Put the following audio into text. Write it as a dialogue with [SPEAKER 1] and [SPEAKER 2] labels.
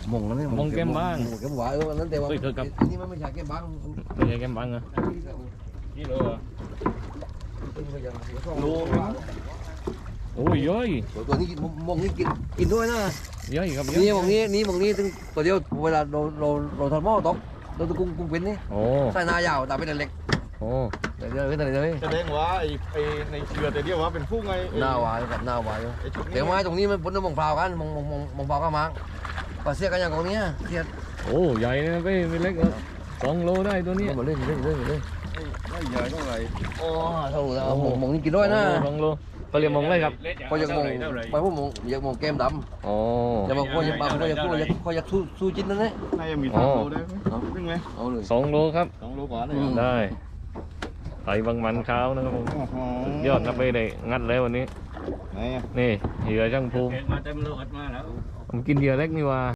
[SPEAKER 1] มงนั่นนี่
[SPEAKER 2] มงแก้มบ้าง
[SPEAKER 1] มงแก้มหวานนั่นแต่ว่า
[SPEAKER 2] เฮ้ยเธอครับ
[SPEAKER 1] อันนี้มันไม่ใช่แก้มบ้าง
[SPEAKER 2] ไม่ใช่แก้มบังเหรอนี่เลยเหรอ
[SPEAKER 1] โล
[SPEAKER 2] โอ้ยย่อย
[SPEAKER 1] ตัวนี้มงนี่กินด้วยนะ
[SPEAKER 2] ย่อยครับย่อย
[SPEAKER 1] นี่มงนี้ถึงตัวเดียวเวลาเราทอดหม้อตกเราตะกุ้งเป็นนี่
[SPEAKER 2] โอ้
[SPEAKER 1] ใส่หน้ายาวแต่เป็นเล็ก
[SPEAKER 2] โอ้
[SPEAKER 1] เดี๋ยวเป็นอะไรเลย
[SPEAKER 3] แสดงว่าไอ้ในเชือแต่เดียวว่าเป็นฟุ้งไง
[SPEAKER 1] หน้าหวานกับหน้าหวาน
[SPEAKER 3] ไอ้ชุด
[SPEAKER 1] แต่ไม้ตรงนี้มันพ้นน้ำมงพร้าวกันมงพร้าวก็มั้งปลาเสียกันอย่างตรงนี้เสีย
[SPEAKER 2] โอ้ใหญ่นะไม่เล็ก2 โลได้ตัวนี้
[SPEAKER 1] มาเล่น
[SPEAKER 3] ไม่ใหญ่เท่าไหร่
[SPEAKER 1] โอ้เท่าแล้วมงนี่กินด้วยนะ
[SPEAKER 2] 2 โลเขาเรียกมงอะไรครับ
[SPEAKER 1] ก็ยังมงไปพวกมงยังมงแก้มด
[SPEAKER 2] โอ้
[SPEAKER 1] ำแต่บางคนยังเขาอยากสู้จิ้นนั่นแหละ
[SPEAKER 3] น่าจะมี3 โลได้ไหมซึ่งไหม
[SPEAKER 1] เอาเลย
[SPEAKER 2] 2 โลครับ
[SPEAKER 3] 2 โลกว่าเลย
[SPEAKER 2] ได้ไต่บางมันขาวนะครับผม
[SPEAKER 3] โอ้โห
[SPEAKER 2] ยอดนับไปได้งัดแล้ววันนี้
[SPEAKER 3] ไหนอ่ะ
[SPEAKER 2] นี่เหยื่อช่างภูมิ
[SPEAKER 4] มาเต็มโลกมาแล้ว
[SPEAKER 2] ผมกินเหยื่อเล็กนี่ว่า